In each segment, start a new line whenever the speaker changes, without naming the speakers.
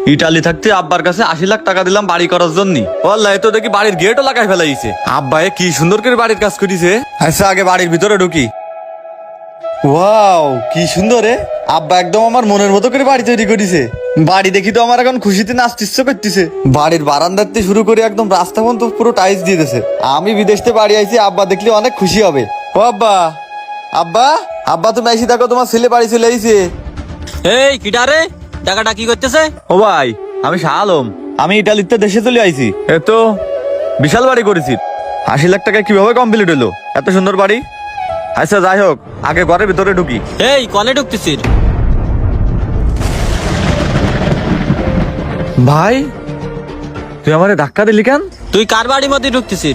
Italy থাকতে আব্বার কাছে 80 লাখ টাকা দিলাম বাড়ি করার জন্য। ওয়াল্লাহ তো দেখি বাড়ির গেটও লাগাই ফেলাইছে। আব্বা কি সুন্দর করে বাড়ির কাজ করিছে। আচ্ছা আগে বাড়ির ভিতরে ঢুকি। ওয়াও কি সুন্দর রে। আব্বা একদম আমার মনের মতো করে বাড়ি তৈরি করেছে। বাড়ি দেখি তো আমার এখন খুশিতে নাচতে ইচ্ছে করতেছে। বাড়ির বারান্দার থেকে শুরু করে একদম রাস্তা পর্যন্ত পুরো টাইলস দিয়ে দিয়েছে। আমি বিদেশ থেকে বাড়ি আইছি, আব্বা দেখলে অনেক খুশি হবে। ও আব্বা, আব্বা আব্বা তুমি আইসি দেখো, তোমার ছেলে বাড়ি চলে আইছে।
এই কিডা রে, টাকাটা কি করতেছে?
ও ভাই আমি শাহ আলম, আমি ইটালিতে দেশে চলে আইছি। তো বিশাল বাড়ি করেছি। 80 লাখ টাকা কিভাবে কমপ্লিট হলো এত সুন্দর বাড়ি? আচ্ছা যাই হোক, আগে ঘরের ভিতরে ঢুকি।
এই কনে ঢুকতেছিস?
ভাই তুই আমারে ধাক্কা দিলি কেন?
তুই কার বাড়ির মধ্যে ঢুকতেছিস?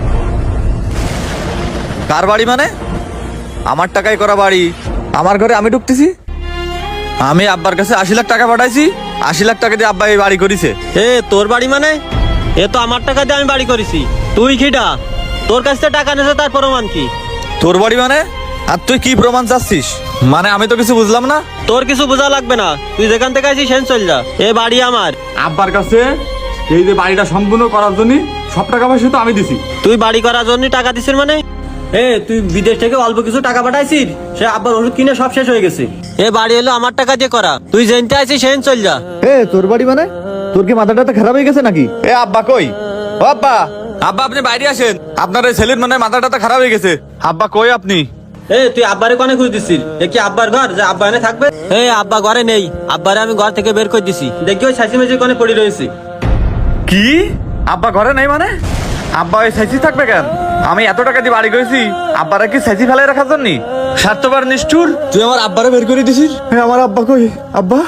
কার বাড়ি মানে? আমার টাকায় করা বাড়ি, আমার ঘরে আমি ঢুকতেছি। আমি আব্বার কাছে 80 লাখ টাকা পাঠাইছি, 80 লাখ টাকা দিয়ে আব্বা এই বাড়ি করেছে।
এ তোর বাড়ি মানে? এ তো আমার টাকা দিয়ে আমি বাড়ি করেছি। তুই কিডা? তোর কাছ থেকে টাকা নিয়েছে তার প্রমাণ কি?
তোর বাড়ি মানে? আর তুই কি প্রমাণ চাচ্ছিস? মানে আমি তো কিছু বুঝলাম না।
তোর কিছু বোঝা লাগবে না, তুই যেখান থেকে আছিস সেন চল যা। এ বাড়ি আমার।
আব্বার কাছে এই যে বাড়িটা সম্পূর্ণ করার জন্য সব টাকা পয়সা তো আমি দিছি।
তুই বাড়ি করার জন্য টাকা দিছিস মানে? এ তুই বিদেশ থেকে অল্প কিছু টাকা পাঠাইছিস, সে আব্বার ওষুধ কিনে সব শেষ হয়ে গেছে। এ বাড়ি হলো আমার টাকা দিয়ে করা, তুই যেনতে আছিস সেন চল যা।
এ তোর বাড়ি মানে? তোর কি মাথাটা তো খারাপ হয়ে গেছে নাকি? এ আব্বা কই? ও আব্বা, আব্বা আপনি বাইরে আসেন। আপনার এই ছেলের মানে মাথাটা তো খারাপ হয়ে গেছে। আব্বা কই আপনি?
এ তুই আব্বারে কোনে খুঁজ দিছিস? এ কি আব্বার ঘর যে আব্বা এনে থাকবে? এ আব্বা ঘরে নেই, আব্বারে আমি ঘর থেকে বের করে দিছি। দেখি ওই ছাইসি মেঝে কোনে পড়ে রয়েছে।
কি? আব্বা ঘরে নেই মানে? আব্বা ওই সাইসি থাকবে কেন? আমি এত টাকা দিয়ে বাড়ি করেছি, আব্বারা কি সাইসি ফেলাই রাখার জন্য? স্বার্থপর নিষ্ঠুর, তুই আমার আব্বারে বের করে দিছিস। আমার আব্বা কই? আব্বা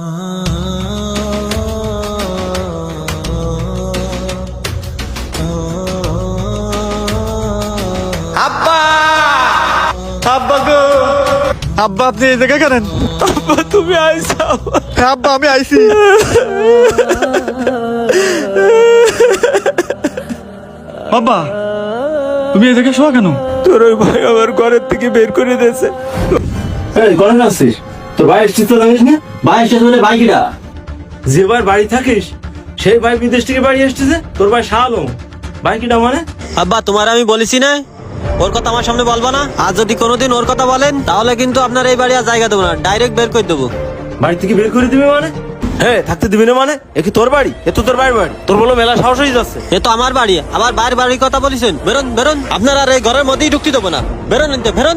আব্বা, আব্বা গো, আব্বা আপনি এই জায়গায় কেন? আব্বা তুমি আইসা? আব্বা আমি আইছি। বাবা তুমি এই জায়গায় শোয়া কেন?
তোর ওই ভাই আমার ঘরের থেকে বের করে দিয়েছে।
ঘরে আসছিস? তোর ভাই এসছিস তো জানিস না? ভাই এসছিস বলে ভাই কিরা?
যে ভাই বাড়ি থাকিস সেই ভাই বিদেশ থেকে বাড়ি এসেছে। তোর ভাই শাহ আলম। ভাই কিটা মানে?
আব্বা তোমার আমি বলেছি না ওর কথা আমার সামনে বলবা না। আর যদি কোনোদিন ওর কথা বলেন তাহলে কিন্তু আপনার এই বাড়ি আর জায়গা দেবো না, ডাইরেক্ট বের করে দেবো।
বাড়ি থেকে বের করে দিবি মানে? হ্যাঁ থাকতে দিবি না মানে? এ কি তোর বাড়ি? এ তো তোর বাড়ির বাড়ি। তোর বলো মেলা সাহস হয়ে যাচ্ছে।
এ তো আমার বাড়ি, আবার বাইরের বাড়ির কথা বলেছেন। বেরোন বেরোন, আপনার আর এই ঘরের মধ্যেই ঢুকতে দেবো না। বেরোন এনতে, বেরোন।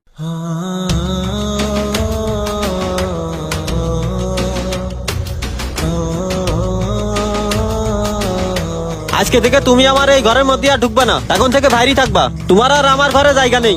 আজকে থেকে তুমি আমার এই ঘরের মধ্যে আর ঢুকবে না, এখন থেকে বাইরেই থাকবা। তোমার আর আমার ঘরে জায়গা নেই।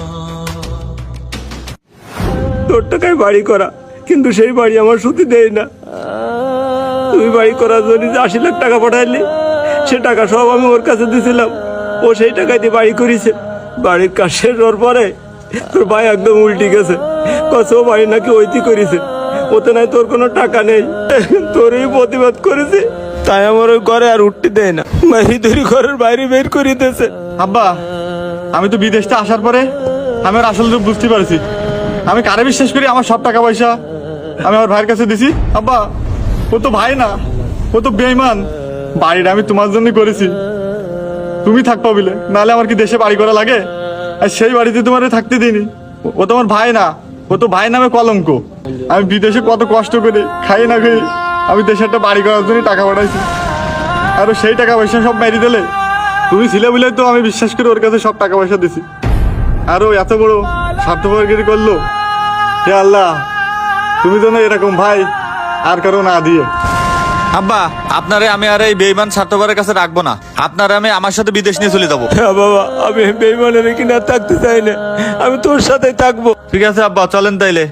তোর টাকায় বাড়ি করা, কিন্তু সেই বাড়ি আমার সুতি দেয় না। তুই বাড়ি করার জন্য যে 80 লাখ টাকা পাঠাইলি, সে টাকা সব আমি ওর কাছে দিয়েছিলাম। ও সেই টাকা দিয়ে বাড়ি করেছে। বাড়ির কাজ শেষ হওয়ার পরে তোর ভাই একদম উল্টি গেছে। কত বাড়ি নাকি ওইটি করেছে, ওতে নাই তোর কোনো টাকা নেই। তোরই প্রতিবাদ করেছে, তাই আমার ওই ঘরে আর উঠতে দেয় না। মারি ধরি ঘরের বাইরে বের করে দিয়েছে।
আব্বা আমি তো বিদেশ থেকে আসার পরে আমি আর আসল রূপ বুঝতে পারছি। আমি কারে বিশ্বাস করি? আমার সব টাকা পয়সা আমি আমার ভাইয়ের কাছে দিছি। আব্বা ও তো ভাই না, ও তো বেঈমান। বাড়িটা আমি তোমার জন্য করেছি, তুমি থাকবা বলে, নাহলে আমার কি দেশে বাড়ি করা লাগে? আর সেই বাড়িতে তোমার থাকতে দিইনি। ও তোমার ভাই না, ও তো ভাই নামে কলঙ্ক। আমি বিদেশে কত কষ্ট করে খাই না খাই আমি দেশে একটা বাড়ি করার জন্য টাকা পাঠাইছি, আর ও সেই টাকা পয়সা সব মেরে দিলে। তুমি ছিলে বলে তো আমি বিশ্বাস করে ওর কাছে সব টাকা পয়সা দিছি, আর ও এত বড় স্বার্থপরগিরি করলো। হে আল্লাহ, তুমি তো না এরকম ভাই আর কারো না দিয়ে। আব্বা আপনারে আমি আর এই বেঈমান স্বার্থপরের কাছে রাখবো না। আপনারা আমি আমার সাথে বিদেশ নিয়ে চলে যাবো।
হ্যাঁ বাবা, আমি বেইমানের কিনা থাকতে চাই না, আমি তোর সাথেই থাকবো।
ঠিক আছে আব্বা চলেন তাইলে।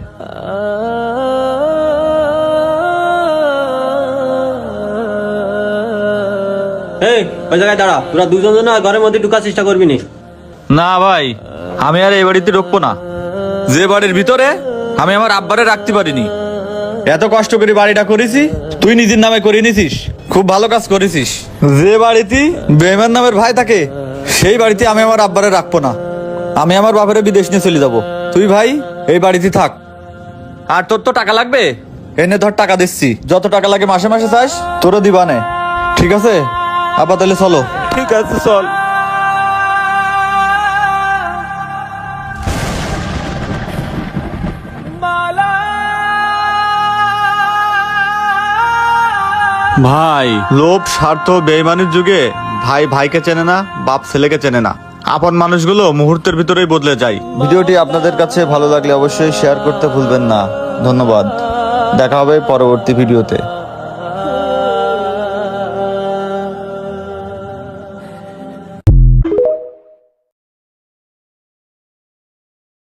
এই ওই জায়গায় দাঁড়া, তোরা দুজন জন আর ঘরের মধ্যে ঢুকার চেষ্টা করবি না।
না ভাই, আমি আর এই বাড়িতে ঢুকবো না। যে বাড়ির ভিতরে আমি আমার আব্বারে রাখতে পারিনি, এত কষ্ট করে বাড়িটা করেছি, তুই নিজের নামে করে নিছিস, খুব ভালো কাজ করেছিস। যে বাড়িতে বেঈমান নামের ভাই থাকে সেই বাড়িতে আমি আমার আব্বারে রাখবো না। আমি আমার বাপের বিদেশ নিয়ে চলে যাব। তুই ভাই এই বাড়িতে থাক। আর তোর তো টাকা লাগবে, এনে ধর টাকা দিচ্ছি, যত টাকা লাগে মাসে মাসে চাস তোরও দিবানে। ঠিক আছে আব্বা, তাহলে চলো।
ঠিক আছে চল।
ভাই, লোভ, স্বার্থ, বেইমানির যুগে ভাই ভাইকে চেনে না, বাপ ছেলেকে চেনে না। আপন মানুষগুলো মুহূর্তের ভিতরেই বদলে যায়। ভিডিওটি আপনাদের কাছে ভালো লাগলে অবশ্যই শেয়ার করতে ভুলবেন না। ধন্যবাদ, দেখা হবে পরবর্তী ভিডিওতে।